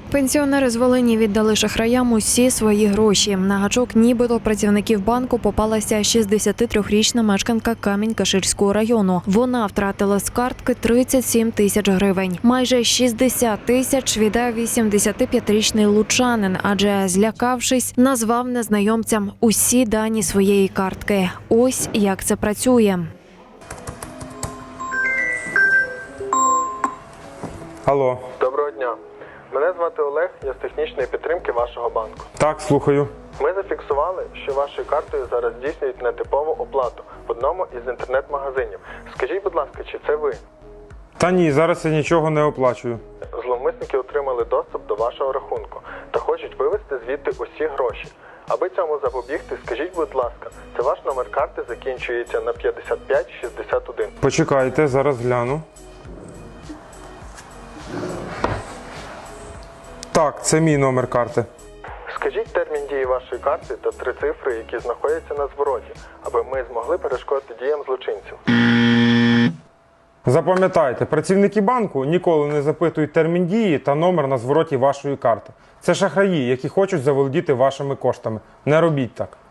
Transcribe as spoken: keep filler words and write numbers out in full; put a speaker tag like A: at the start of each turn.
A: Пенсіонери з Волині віддали шахраям усі свої гроші. На гачок нібито працівників банку попалася шістдесятитрирічна мешканка Камінь-Каширського району. Вона втратила з картки тридцять сім тисяч гривень. Майже шістдесят тисяч віддав вісімдесятип'ятирічний лучанин, адже, злякавшись, назвав незнайомцям усі дані своєї картки. Ось як це працює.
B: Алло.
C: Доброго дня. Мене звати Олег, я з технічної підтримки вашого банку.
B: Так, слухаю.
C: Ми зафіксували, що вашою картою зараз здійснюють нетипову оплату в одному із інтернет-магазинів. Скажіть, будь ласка, чи це ви?
B: Та ні, зараз я нічого не оплачую.
C: Зловмисники отримали доступ до вашого рахунку та хочуть вивести звідти усі гроші. Аби цьому запобігти, скажіть, будь ласка, це ваш номер карти закінчується на п'ятдесят п'ять шістдесят один.
B: Почекайте, зараз гляну. Так, це мій номер карти.
C: Скажіть термін дії вашої карти та три цифри, які знаходяться на звороті, аби ми змогли перешкодити діям злочинців.
B: Запам'ятайте, працівники банку ніколи не запитують термін дії та номер на звороті вашої карти. Це шахраї, які хочуть заволодіти вашими коштами. Не робіть так.